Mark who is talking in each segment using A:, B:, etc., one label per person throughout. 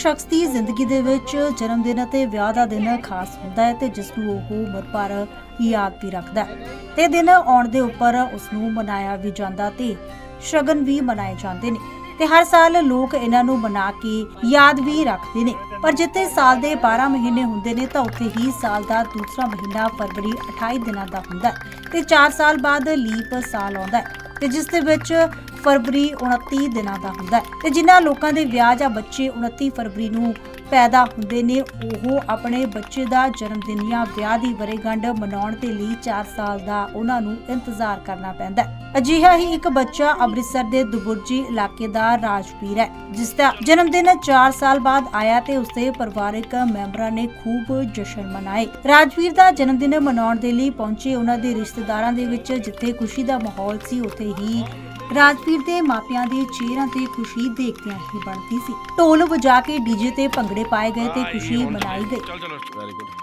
A: शख्स की जिंदगी दे विच जन्म दिन ते विआह दा दिन खास हुंदा है ते जिस नूं ओह उमर भर याद भी रखदा है ते दिन आउण दे उपर उस नूं मनाया भी जांदा ते शगन भी मनाए जांदे ने ते हर साल लोग इन्हां नूं मना के याद भी रखदे ने। पर जिथे साल दे 12 महीने हुंदे ने तां उत्थे ही साल दा दूसरा महीना फरवरी 28 दिनां दा हुंदा है ते 4 साल बाद लीप साल आउंदा है ते जिस दे विच फरवरी 29 दिनां दा हुंदा है ते जिन्हां लोकां दे विआह जां बच्चे 29 फरवरी नूं पैदा हुंदे ने ओह अपने बच्चे दा जन्म दिन जां विआह दी वरेगंढ मनाउण दे लई 4 साल दा उन्हां नूं इंतजार करना पैंदा है। अजिहा ही एक बच्चा अमृतसर दे दुबुर्जी इलाके दा राजवीर है जिसदा जन्म दिन 4 साल बाद आया ते उसदे परिवारक मैंबरां ने खूब जश्न मनाए। राजवीर दा जन्म दिन मनाउण दे लई पहुंचे उन्हां दे रिश्तेदारां दे विच जिथे खुशी दा माहौल सी उत्थे ही राजवीर दे मापियां दे चेहरिਆਂ ਤੇ खुशी देखदियां ही बनदी सी। ढोल वजा के डीजे ते भंगड़े पाए गए ते खुशी मनाई गई।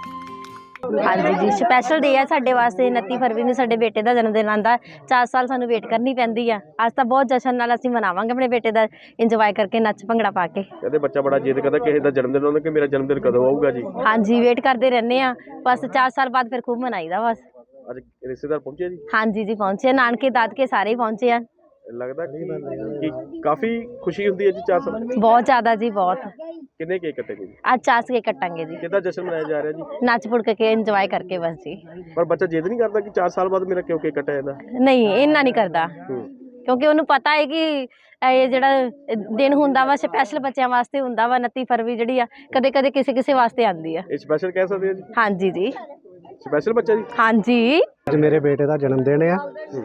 B: हाँ जी स्पैशल डे है साडे वास्ते 29 फरवरी ਨੂੰ ਸਾਡੇ ਬੇਟੇ ਦਾ ਜਨਮ ਦਿਨ ਆਂਦਾ 4 ਸਾਲ ਸਾਨੂੰ ਵੇਟ ਕਰਨੀ ਪੈਂਦੀ ਆ। ਅੱਜ ਤਾਂ ਬਹੁਤ ਜਸ਼ਨ ਨਾਲ ਅਸੀਂ ਮਨਾਵਾਂਗੇ ਆਪਣੇ ਬੇਟੇ ਦਾ ਇੰਜੋਏ ਕਰਕੇ ਨੱਚ ਭੰਗੜਾ ਪਾ ਕੇ।
C: ਕਹਿੰਦੇ ਬੱਚਾ ਬੜਾ ਜਿੱਦ ਕਰਦਾ ਕਿਸੇ ਦਾ ਜਨਮ ਦਿਨ ਆਉਂਦਾ ਕਿ ਮੇਰਾ ਜਨਮ ਦਿਨ ਕਦੋਂ ਆਊਗਾ ਜੀ।
B: ਹਾਂਜੀ ਵੇਟ ਕਰਦੇ ਰਹਿੰਦੇ ਆ ਬਸ 4 ਸਾਲ ਬਾਅਦ ਫਿਰ ਖੂਬ ਮਨਾਈਦਾ ਬਸ।
C: ਅੱਜ ਰਿਸ਼ਤੇਦਾਰ ਪਹੁੰਚੇ ਜੀ?
B: ਹਾਂਜੀ ਜੀ ਪਹੁੰਚੇ ਨਾਨਕੇ ਦਾਦਕੇ ਸਾਰੇ ਪਹੁੰਚੇ ਆ।
C: ਲੱਗਦਾ ਕਿ ਕਾਫੀ ਖੁਸ਼ੀ ਹੁੰਦੀ ਹੈ ਜੀ 4 ਸਾਲ
B: ਬਹੁਤ ਜ਼ਿਆਦਾ ਜੀ ਬਹੁਤ।
C: ਕਿੰਨੇ ਕੇਕ ਕੱਟੇ ਗਏ ਜੀ?
B: ਅੱਜ 4 ਕੇਕ ਕੱਟਾਂਗੇ ਜੀ।
C: ਕਿੱਦਾਂ ਜਸ਼ਨ ਮਨਾਇਆ ਜਾ ਰਿਹਾ ਜੀ?
B: ਨੱਚ ਪੁੜ ਕੇ ਇੰਜੋਏ ਕਰਕੇ ਬਸ ਜੀ।
C: ਪਰ ਬੱਚਾ ਜਿੱਦ ਨਹੀਂ ਕਰਦਾ ਕਿ 4 ਸਾਲ ਬਾਅਦ ਮੇਰਾ ਕਿਉਂ ਕੇਕ ਕੱਟਿਆ ਜਾਂਦਾ?
B: ਨਹੀਂ ਇੰਨਾ ਨਹੀਂ ਕਰਦਾ ਕਿਉਂਕਿ ਉਹਨੂੰ ਪਤਾ ਹੈ ਕਿ ਇਹ ਜਿਹੜਾ ਦਿਨ ਹੁੰਦਾ ਵਾ ਸਪੈਸ਼ਲ ਬੱਚਿਆਂ ਵਾਸਤੇ ਹੁੰਦਾ ਵਾ 29 ਫਰਵਰੀ ਜਿਹੜੀ ਆ ਕਦੇ ਕਦੇ ਕਿਸੇ ਵਾਸਤੇ ਆਉਂਦੀ ਆ।
C: ਇਹ ਸਪੈਸ਼ਲ ਕਹਿ ਸਕਦੇ ਆ ਜੀ?
B: ਹਾਂਜੀ ਜੀ
C: ਸਪੈਸ਼ਲ ਬੱਚਾ ਜੀ?
B: ਹਾਂਜੀ
D: ਅੱਜ ਮੇਰੇ ਬੇਟੇ ਦਾ ਜਨਮ ਦਿਨ ਆ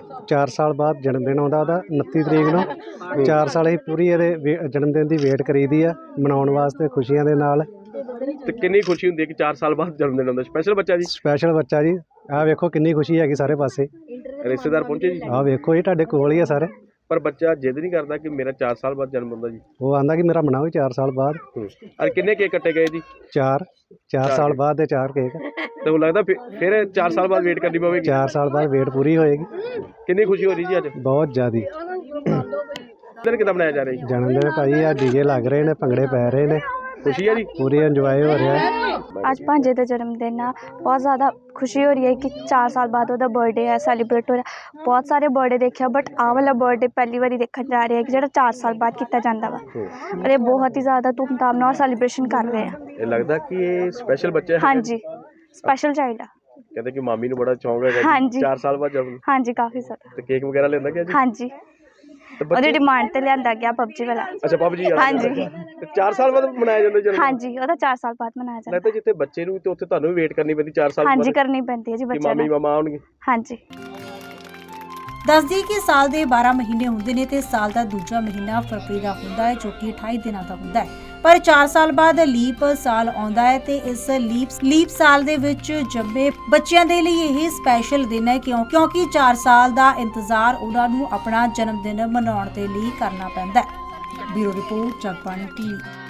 D: 4 ਸਾਲ ਬਾਅਦ ਜਨਮ ਦਿਨ ਆਉਂਦਾ ਉਹਦਾ 29 ਤਰੀਕ ਨੂੰ 4 ਸਾਲ ਹੀ ਪੂਰੀ ਇਹਦੇ ਜਨਮ ਦਿਨ ਦੀ ਵੇਟ ਕਰੀਦੀ ਆ ਮਨਾਉਣ ਵਾਸਤੇ ਖੁਸ਼ੀਆਂ ਦੇ ਨਾਲ।
C: ਤੇ ਕਿੰਨੀ ਖੁਸ਼ੀ ਹੁੰਦੀ ਹੈ ਕਿ 4 ਸਾਲ ਬਾਅਦ ਜਨਮ ਦਿਨ ਆਉਂਦਾ? ਸਪੈਸ਼ਲ ਬੱਚਾ ਜੀ?
D: ਸਪੈਸ਼ਲ ਬੱਚਾ ਜੀ। ਆਹ ਵੇਖੋ ਕਿੰਨੀ ਖੁਸ਼ੀ ਹੈਗੀ ਸਾਰੇ ਪਾਸੇ।
C: ਰਿਸ਼ਤੇਦਾਰ ਪਹੁੰਚੇ ਜੀ?
D: ਆਹ ਵੇਖੋ ਇਹ ਤੁਹਾਡੇ ਕੋਲ ਹੀ ਆ ਸਾਰੇ।
C: ਪਰ ਬੱਚਾ ਜਿੱਦ ਨਹੀਂ ਕਰਦਾ ਕਿ ਮੇਰਾ 4 ਸਾਲ ਬਾਅਦ ਜਨਮ ਹੁੰਦਾ ਜੀ?
D: ਉਹ ਆਂਦਾ ਕਿ ਮੇਰਾ ਮਨਾਓ 4 ਸਾਲ ਬਾਅਦ।
C: ਔਰ ਕਿੰਨੇ ਕੇਕ ਕੱਟੇ ਗਏ ਜੀ? 4
D: ਸਾਲ ਬਾਅਦ ਦੇ 4 ਕੇਕ।
C: ਤੇ ਉਹ ਲੱਗਦਾ ਫਿਰ 4 ਸਾਲ ਬਾਅਦ ਵੇਟ ਕਰਨੀ ਪਵੇਗੀ?
D: 4 ਸਾਲ ਬਾਅਦ ਵੇਟ ਪੂਰੀ ਹੋਏਗੀ।
C: ਕਿੰਨੀ ਖੁਸ਼ੀ ਹੋ ਰਹੀ ਜੀ ਅੱਜ?
D: ਬਹੁਤ ਜ਼ਿਆਦੀ।
C: ਦਿਨ ਕਿੱਦਾਂ ਮਨਾਇਆ ਜਾ ਰਿਹਾ ਜੀ?
D: ਜਨਮ ਦਿਨ ਭਾਈ ਆ ਡੀਜੇ ਲੱਗ ਰਹੇ ਨੇ ਭੰਗੜੇ ਪੈ ਰਹੇ ਨੇ
C: खुशी है जी?
D: पूरी एंजॉय हो रहा है।
E: आज भांजे का जन्मदिन है बहुत ज़्यादा खुशी हो रही है कि 4 साल बाद वो बर्थडे है सैलीब्रेट हो रहा है। बहुत सारे बर्थडे देखा बट आ वाला बर्थडे पहली बार देखने जा रहे हैं कि जो 4 साल बाद किया जाता वा और ये बहुत ही ज़्यादा धूमधाम और सैलीब्रेशन कर रहे हैं।
C: ये लगता कि ये स्पेशल बच्चा है?
E: हाँ जी स्पेशल चाइल्ड है।
C: कहते कि मामी नूं बड़ा शौक है।
E: हाँ जी
C: 4 साल बाद जन्म?
E: हाँ जी काफ़ी ज़्यादा।
C: तो केक वगैरह लेंदा क्या जी?
E: हाँ जी ਉਹਦੀ ਡਿਮਾਂਡ ਤੇ ਲਿਆਂਦਾ ਗਿਆ ਪਬਜੀ ਵਾਲਾ।
C: ਅੱਛਾ ਪਬਜੀ ਵਾਲਾ?
E: ਹਾਂਜੀ।
C: ਤੇ 4 ਸਾਲ ਬਾਅਦ ਮਨਾਇਆ ਜਾਂਦਾ ਜਨਮ?
E: ਹਾਂਜੀ ਉਹਦਾ 4 ਸਾਲ ਬਾਅਦ ਮਨਾਇਆ ਜਾਂਦਾ।
C: ਲੱਗਦਾ ਜਿੱਥੇ ਬੱਚੇ ਨੂੰ ਤੇ ਉੱਥੇ ਤੁਹਾਨੂੰ ਵੀ ਵੇਟ ਕਰਨੀ ਪੈਂਦੀ 4 ਸਾਲ ਬਾਅਦ?
E: ਹਾਂਜੀ ਕਰਨੀ ਪੈਂਦੀ ਹੈ ਜੀ ਬੱਚਿਆਂ ਨੂੰ।
C: ਮਾਮੀ ਮਾਮਾ ਆਉਣਗੇ?
E: ਹਾਂਜੀ।
A: ਦੱਸਦੀ ਕਿ ਸਾਲ ਦੇ 12 ਮਹੀਨੇ ਹੁੰਦੇ ਨੇ ਤੇ ਸਾਲ ਦਾ ਦੂਜਾ ਮਹੀਨਾ ਫਰਵਰੀ ਦਾ ਹੁੰਦਾ ਹੈ ਜੋ ਕਿ 28 ਦਿਨਾਂ ਦਾ ਹੁੰਦਾ ਹੈ। ਪਰ 4 ਸਾਲ ਬਾਅਦ ਲੀਪ ਸਾਲ ਆਉਂਦਾ ਹੈ ਤੇ ਇਸ ਲੀਪ ਸਾਲ ਦੇ ਵਿੱਚ ਜੰਮੇ ਬੱਚਿਆਂ ਦੇ ਲਈ ਇਹ ਸਪੈਸ਼ਲ ਦਿਨ ਹੈ ਕਿਉਂਕਿ 4 ਸਾਲ ਦਾ ਇੰਤਜ਼ਾਰ ਉਹਨਾਂ ਨੂੰ ਆਪਣਾ ਜਨਮ ਦਿਨ ਮਨਾਉਣ ਦੇ ਲਈ ਕਰਨਾ ਪੈਂਦਾ ਹੈ। Bureau report Jagbani TV.